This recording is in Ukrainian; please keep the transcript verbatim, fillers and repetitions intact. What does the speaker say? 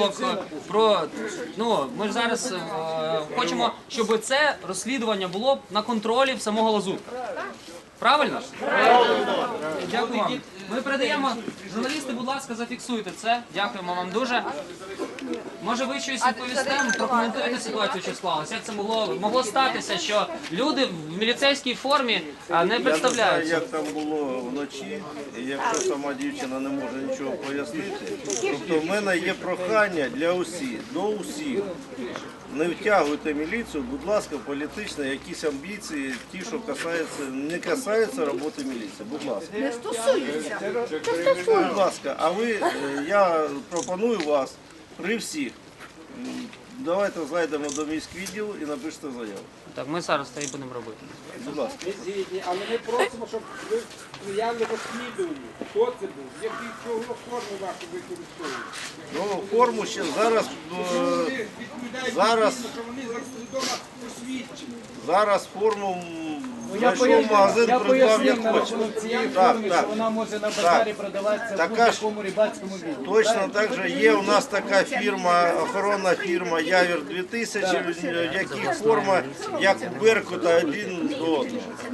випадок, про, ну, ми ж зараз е, хочемо, щоб це розслідування було на контролі в самого Лазутка. Правильно? Правильно. Дякую вам. Ми передаємо, журналісти, будь ласка, зафіксуйте це. Дякуємо вам дуже. Може ви щось відповісте, прокоментуєте ситуацію, що склалося? Як це могло, могло статися, що люди в міліцейській формі а, не Я не знаю, представляються? як там було вночі, і якщо сама дівчина не може нічого пояснити. Тобто в мене є прохання для усіх, до усіх. Не втягуйте міліцію, будь ласка, політично, якісь амбіції, ті, що касаються, не касаються роботи міліції. Будь ласка. Не стосується. Будь ласка, а ви, е, я пропоную вас при всіх. м, Давайте зайдемо до міськвідділу і напишете заяву. Так, ми зараз це і будемо робити. Будь ласка. Ми згідні, але ми просимо, щоб ви сприяли розслідуванню. Хто це був? Які чого форму вашу використовують? Ну, форму ще зараз. е, Ви відповідаєте, Зараз. дійсно, що вони завідомо посвідчені. Зараз форму м, Я знайшов в магазин, я придбав пояснив як на хоче. рахунок цієї Так, форми, так. що вона може на базарі продаватися в Така ж- будь-якому рибацькому відділі. Точно так же є у нас така фірма, охоронна фірма Явір дві тисячі, в якій форма як у Беркута один до одного.